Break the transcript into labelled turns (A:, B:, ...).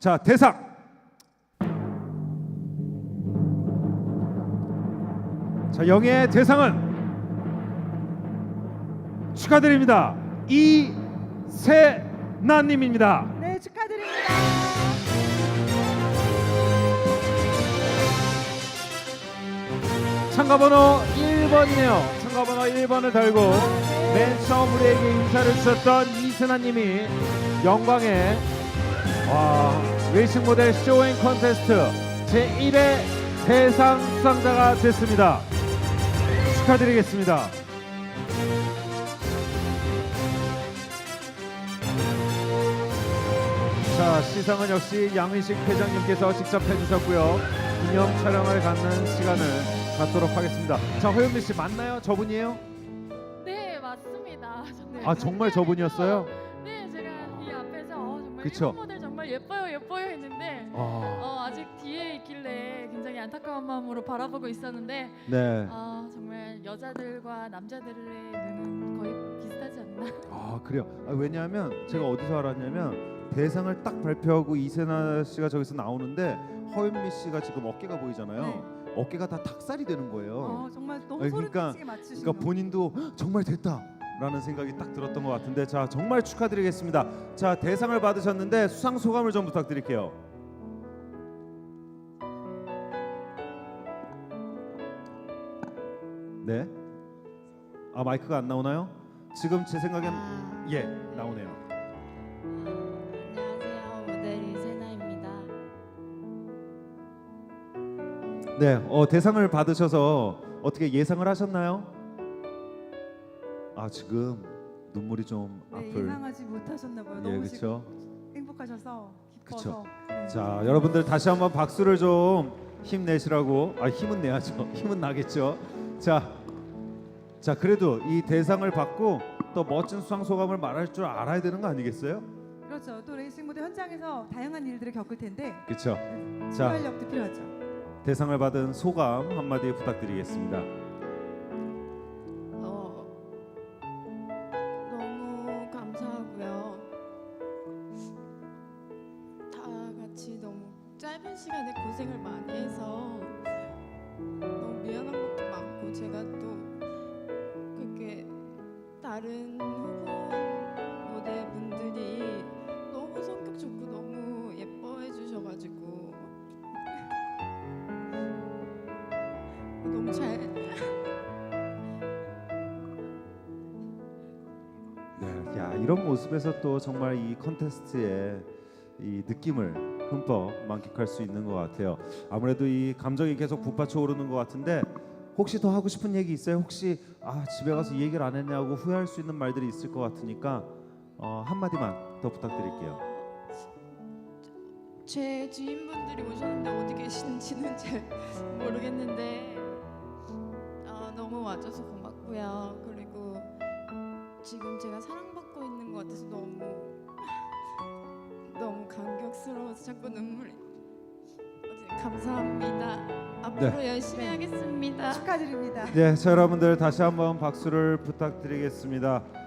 A: 자, 대상. 자, 영예의 대상은 축하드립니다. 이세나님입니다.
B: 네, 축하드립니다.
A: 참가번호 1번이네요. 참가번호 1번을 달고 맨 처음 우리에게 인사를 주셨던 이세나님이 영광의 레이싱 모델 쇼잉 콘테스트 제1회 대상 수상자가 됐습니다. 축하드리겠습니다. 자, 시상은 역시 양의식 회장님께서 직접 해주셨고요. 기념 촬영을 갖는 시간을 갖도록 하겠습니다. 자, 허윤미 씨 맞나요? 저분이에요?
C: 네, 맞습니다. 정말
A: 아, 정말 저분이었어요?
C: 네, 제가 이 앞에서 정말
A: 그쵸?
C: 일본 모델 정말 예뻐요 했는데 아직 뒤에 있길래 굉장히 안타까운 마음으로 바라보고 있었는데
A: 네.
C: 정말 여자들과 남자들의 눈은 거의 비슷하지 않나?
A: 그래요. 왜냐하면 제가 어디서 알았냐면 대상을 딱 발표하고 이세나 씨가 저기서 나오는데 허윤미 씨가 지금 어깨가 보이잖아요.
B: 네.
A: 어깨가 다 닭살이 되는 거예요.
B: 정말 너무
A: 아니,
B: 소름
A: 그러니까-
B: 끼치게 맞추시네요.
A: 그러니까 본인도 정말 됐다라는 생각이 딱 들었던 것 같은데, 자, 정말 축하드리겠습니다. 자, 대상을 받으셨는데 수상 소감을 좀 부탁드릴게요. 네. 마이크가 안 나오나요? 지금 제 생각엔 예, 나오네요.
D: 안녕하세요. 모델 이세나입니다.
A: 네, 대상을 받으셔서 어떻게 예상을 하셨나요? 지금 눈물이 좀
B: 네,
A: 앞을.
B: 예상하지 못하셨나 봐요.
A: 예,
B: 너무
A: 그렇죠.
B: 지금 행복하셔서 기뻐서. 네.
A: 자, 여러분들 다시 한번 박수를 좀 힘내시라고. 힘은 내야죠. 힘은 나겠죠. 자, 그래도 이 대상을 받고 또 멋진 수상 소감을 말할 줄 알아야 되는 거 아니겠어요?
B: 그렇죠. 또 레이싱 무대 현장에서 다양한 일들을 겪을 텐데
A: 그렇죠. 자,
B: 순발력도 필요하죠.
A: 대상을 받은 소감 한마디 부탁드리겠습니다.
D: 너무 감사하고요. 다 같이 너무 짧은 시간에 고생을 많이 해서 너무 미안한 것도 많고, 제가 또 그렇게 다른 후보 모델분들이 너무 성격 좋고 너무 예뻐해 주셔가지고 너무 잘
A: 네, 야, 이런 모습에서 또 정말 이 컨테스트의 이 느낌을 흠뻑 만끽할 수 있는 것 같아요. 아무래도 이 감정이 계속 북받쳐 오르는 것 같은데, 혹시 더 하고 싶은 얘기 있어요? 혹시 집에 가서 이 얘기를 안 했냐고 후회할 수 있는 말들이 있을 것 같으니까 한 마디만 더 부탁드릴게요.
D: 제 지인분들이 오셨는데 어디 계시는지는 잘 모르겠는데 너무 와줘서 고맙고요. 그리고 지금 제가 사랑받고 있는 것 같아서 너무 감격스러워서 자꾸 눈물이. 감사합니다. 앞으로 열심히 하겠습니다.
B: 축하드립니다.
A: 네, 자, 여러분들 다시 한번 박수를 부탁드리겠습니다.